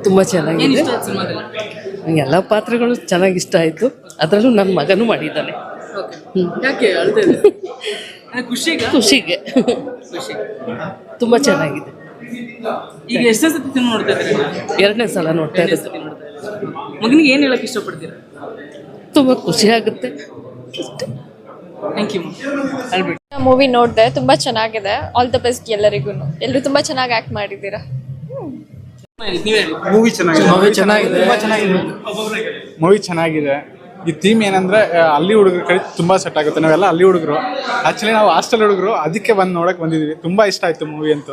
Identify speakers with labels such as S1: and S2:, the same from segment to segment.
S1: ತುಂಬ ಚೆನ್ನಾಗಿದೆ. ಎಲ್ಲ ಪಾತ್ರಗಳು ಚೆನ್ನಾಗಿ ಇಷ್ಟ ಆಯಿತು. ಅದರಲ್ಲೂ ನನ್ನ ಮಗನೂ ಮಾಡಿದ್ದಾನೆ. ಖುಷಿಗೆ ತುಂಬ ಚೆನ್ನಾಗಿದೆ.
S2: ಈಗ ಎಷ್ಟೇ ಸತಿ ಸಿನಿಮಾ ನೋಡ್ತಾ ಇದ್ದೀರಾ?
S1: 2ನೇ ಸಲ ನೋಡ್ತಾ ಇರೋದು.
S2: ಮಗನಿಗೆ ಏನು ಹೇಳಕ್ಕೆ ಇಷ್ಟಪಡ್ತೀರಾ?
S1: ತುಂಬ ಖುಷಿ ಆಗುತ್ತೆ.
S2: Thank you.
S3: ಮೂವಿ ನೋಡಿದೆ, ತುಂಬಾ ಚೆನ್ನಾಗಿದೆ. ಆಲ್ ದ ಬೆಸ್ಟ್ ಎಲ್ಲರಿಗೂ. ಎಲ್ಲರೂ ತುಂಬಾ ಚೆನ್ನಾಗಿ ಆಕ್ಟ್ ಮಾಡಿದ್ದೀರಾ.
S4: ಮೂವಿ ಚೆನ್ನಾಗಿದೆ. ಈ ಥೀಮ್ ಏನಂದ್ರೆ ಅಲ್ಲಿ ಹುಡುಗರ ಕಡೆ ತುಂಬಾ ಸೆಟ್ ಆಗುತ್ತೆ. ನಾವೆಲ್ಲ ಅಲ್ಲಿ ಹುಡುಗರು, ಆಕ್ಚುಲಿ ನಾವು ಹಾಸ್ಟೆಲ್ ಹುಡುಗರು, ಅದಕ್ಕೆ ನೋಡಕ್ ಬಂದಿದ್ವಿ. ತುಂಬಾ ಇಷ್ಟ ಆಯ್ತು ಮೂವಿ ಅಂತೂ.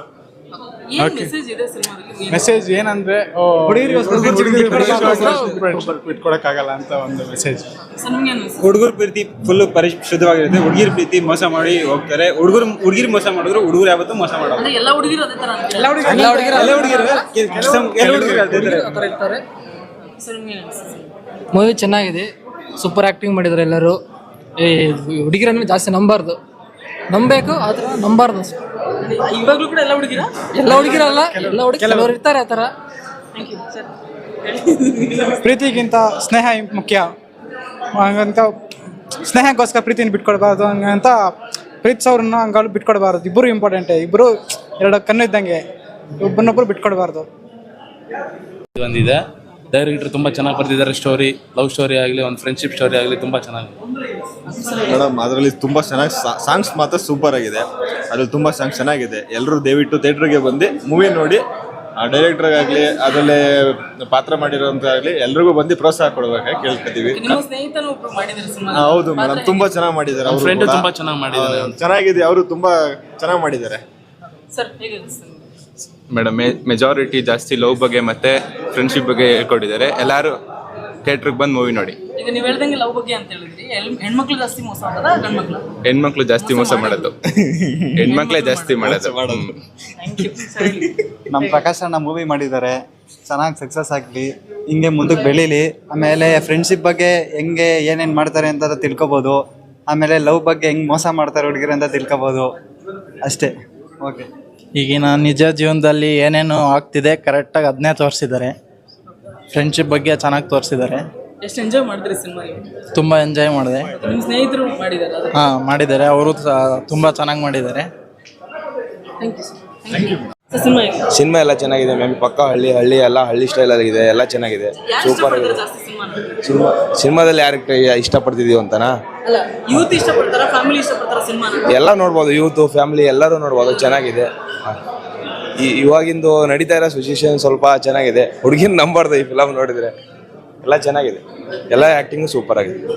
S4: ಮೆಸೇಜ್ ಏನಂದ್ರೆ ಬಿಟ್ಕೊಡಕ್ಕಾಗಲ್ಲ ಅಂತ ಒಂದು ಮೆಸೇಜ್.
S5: ಹುಡುಗರ ಪ್ರೀತಿ ಫುಲ್ ಪರಿಶುದ್ಧವಾಗಿರುತ್ತೆ. ಹುಡುಗಿರ ಪ್ರೀತಿ ಮೋಸ ಮಾಡಿ ಹೋಗ್ತಾರೆ. ಹುಡುಗಿರ್ ಮೋಸ ಮಾಡಿದ್ರು ಹುಡುಗರು ಯಾವತ್ತೂ ಮೋಸ ಮಾಡೋದು.
S6: ಮೂವಿ ಚೆನ್ನಾಗಿದೆ. ಸೂಪರ್ ಆಕ್ಟಿಂಗ್ ಮಾಡಿದ್ದಾರೆ ಎಲ್ಲರೂ. ಹುಡುಗಿರನ್ನು ಜಾಸ್ತಿ ನಂಬಬೇಕು, ಆದ್ರೆ ನಂಬಾರ್ದು.
S2: ಇವಾಗಲೂ ಕೂಡ ಎಲ್ಲ
S6: ಹುಡುಗಿರಲ್ಲ, ಕೆಲವರು ಇರ್ತಾರೆ ಆ ಥರ.
S4: ಪ್ರೀತಿಗಿಂತ ಸ್ನೇಹ ಮುಖ್ಯ. ಹಂಗಂತ ಸ್ನೇಹಕ್ಕೋಸ್ಕರ ಪ್ರೀತಿನ ಬಿಟ್ಕೊಡ್ಬಾರ್ದು. ಹಂಗಂತ ಪ್ರೀತಿಸೋರನ್ನ ಹಂಗ ಬಿಟ್ಕೊಡ್ಬಾರ್ದು. ಇಬ್ಬರು ಇಂಪಾರ್ಟೆಂಟೇ. ಇಬ್ಬರು ಎರಡು ಕಣ್ಣು ಇದ್ದಂಗೆ, ಒಬ್ಬರನ್ನೊಬ್ಬರು ಬಿಟ್ಕೊಡ್ಬಾರ್ದು.
S7: ಬಂದಿದೆ. ಡೈರೆಕ್ಟರ್ ತುಂಬ ಚೆನ್ನಾಗಿ ಬರ್ತಿದ್ದಾರೆ. ಸ್ಟೋರಿ, ಲವ್ ಸ್ಟೋರಿ ಆಗಲಿ, ಒಂದು ಫ್ರೆಂಡ್ಶಿಪ್ ಸ್ಟೋರಿ ಆಗಲಿ ತುಂಬ ಚೆನ್ನಾಗಿದೆ
S8: ಮೇಡಮ್. ಅದರಲ್ಲಿ ತುಂಬ ಚೆನ್ನಾಗಿ ಸಾಂಗ್ಸ್ ಮಾತ್ರ ಸೂಪರ್ ಆಗಿದೆ. ಅದ್ರಲ್ಲಿ ತುಂಬ ಸಾಂಗ್ಸ್ ಚೆನ್ನಾಗಿದೆ. ಎಲ್ಲರೂ ದಯವಿಟ್ಟು ಥಿಯೇಟ್ರಿಗೆ ಬಂದು ಮೂವಿ ನೋಡಿ. ಡೈರೆಕ್ಟರ್ಗಾಗಲಿ ಅದರಲ್ಲೇ ಪಾತ್ರ ಮಾಡಿರೋಂತಾಗಲಿ ಎಲ್ರಿಗೂ ಬಂದು ಪ್ರೋತ್ಸಾಹ ಕೊಡಬೇಕಾಗಿ ಕೇಳ್ಕೊತೀವಿ. ಹೌದು ಮೇಡಮ್, ತುಂಬ ಚೆನ್ನಾಗಿ ಮಾಡಿದ್ದಾರೆ. ಅವ್ರ ಫ್ರೆಂಡ್ ತುಂಬ ಚೆನ್ನಾಗಿ ಮಾಡಿದ್ದಾರೆ. ಚೆನ್ನಾಗಿದೆ, ಅವರು ತುಂಬ ಚೆನ್ನಾಗಿ ಮಾಡಿದ್ದಾರೆ
S9: ಮೇಡಮ್. ಮೆಜಾರಿಟಿ ಜಾಸ್ತಿ ಲವ್ ಬಗ್ಗೆ ಮತ್ತೆ ಫ್ರೆಂಡ್ಶಿಪ್ ಬಗ್ಗೆ ಹೇಳ್ಕೊಟ್ಟಿದ್ದಾರೆ. ಎಲ್ಲರೂ ಥಿಯೇಟ್ರಿಗೆ ಬಂದು ಮೂವಿ ನೋಡಿ.
S2: ಈಗ ನೀವು ಹೇಳ್ದಂಗೆ ಲವ್ ಬಗ್ಗೆ ಅಂತ ಹೇಳಿದ್ರಿ, ಹೆಣ್ಮಕ್ಳು ಜಾಸ್ತಿ ಮೋಸ ಮಾಡೋದಾ ಗಂಡ್ಮಕ್ಳು?
S9: ಹೆಣ್ಮಕ್ಳು ಜಾಸ್ತಿ ಮೋಸ ಮಾಡೋದು. ಹೆಣ್ಮಕ್ಳೇ ಜಾಸ್ತಿ ಮಾಡೋದು.
S10: ನಮ್ಮ ಪ್ರಕಾಶ್ ಅಣ್ಣ ಮೂವಿ ಮಾಡಿದ್ದಾರೆ. ಚೆನ್ನಾಗಿ ಸಕ್ಸಸ್ ಆಗಲಿ, ಹಿಂಗೆ ಮುಂದಕ್ಕೆ ಬೆಳೀಲಿ. ಆಮೇಲೆ ಫ್ರೆಂಡ್ಶಿಪ್ ಬಗ್ಗೆ ಹೆಂಗೆ ಏನೇನು ಮಾಡ್ತಾರೆ ಅಂತ ತಿಳ್ಕೊಬೋದು. ಆಮೇಲೆ ಲವ್ ಬಗ್ಗೆ ಹೆಂಗೆ ಮೋಸ ಮಾಡ್ತಾರೆ ಹುಡುಗಿರು ಅಂತ ತಿಳ್ಕೊಬೋದು. ಅಷ್ಟೇ. ಓಕೆ.
S11: ಈಗಿನ ನಿಜ ಜೀವನದಲ್ಲಿ ಏನೇನು ಆಗ್ತಿದೆ ಕರೆಕ್ಟಾಗಿ ಅದನ್ನೇ ತೋರಿಸಿದ್ದಾರೆ. ಫ್ರೆಂಡ್ಶಿಪ್ ಬಗ್ಗೆ ಚೆನ್ನಾಗಿ ತೋರಿಸಿದ್ದಾರೆ.
S2: ಎಷ್ಟು ಎಂಜಾಯ್ ಮಾಡಿದ್ರಿ ಸಿನಿಮಾ?
S11: ತುಂಬ ಎಂಜಾಯ್ ಮಾಡಿದೆ.
S2: ನಿಮ್ಮ ಸ್ನೇಹಿತರು ಮಾಡಿದ್ದಾರೆ?
S11: ಹಾಂ, ಮಾಡಿದ್ದಾರೆ. ಅವರು ತುಂಬ ಚೆನ್ನಾಗಿ ಮಾಡಿದ್ದಾರೆ.
S9: ಸಿನಿಮಾ ಎಲ್ಲ ಚೆನ್ನಾಗಿದೆ ಮ್ಯಾಮ್. ಪಕ್ಕ ಹಳ್ಳಿ ಎಲ್ಲ ಹಳ್ಳಿ ಸ್ಟೈಲ್ ಆಗಿದೆ. ಎಲ್ಲ ಚೆನ್ನಾಗಿದೆ, ಸೂಪರ್ ಆಗಿದೆ. ಸಿನಿಮಾದಲ್ಲಿ ಯಾರಿಗೆ ಇಷ್ಟಪಡ್ತಿದೀವಿ ಅಂತನಾ?
S2: ಯೂತ್ ಇಷ್ಟಪಡ್ತಾರ, ಫ್ಯಾಮಿಲಿ ಇಷ್ಟಪಡ್ತಾರ ಸಿನಿಮಾ?
S9: ಎಲ್ಲ ನೋಡ್ಬೋದು, ಯೂತ್ ಫ್ಯಾಮಿಲಿ ಎಲ್ಲರೂ ನೋಡ್ಬೋದು. ಚೆನ್ನಾಗಿದೆ. ಇವಾಗಿಂದು ನಡೀತಾ ಇರೋ ಸಿಚುವೇಶನ್ ಸ್ವಲ್ಪ ಚೆನ್ನಾಗಿದೆ. ಹುಡುಗಿನ ನಂಬಾರ್ದು ಈ ಫಿಲಮ್ ನೋಡಿದ್ರೆ. ಎಲ್ಲ ಚೆನ್ನಾಗಿದೆ. ಎಲ್ಲ ಆ್ಯಕ್ಟಿಂಗು ಸೂಪರ್ ಆಗಿದೆ.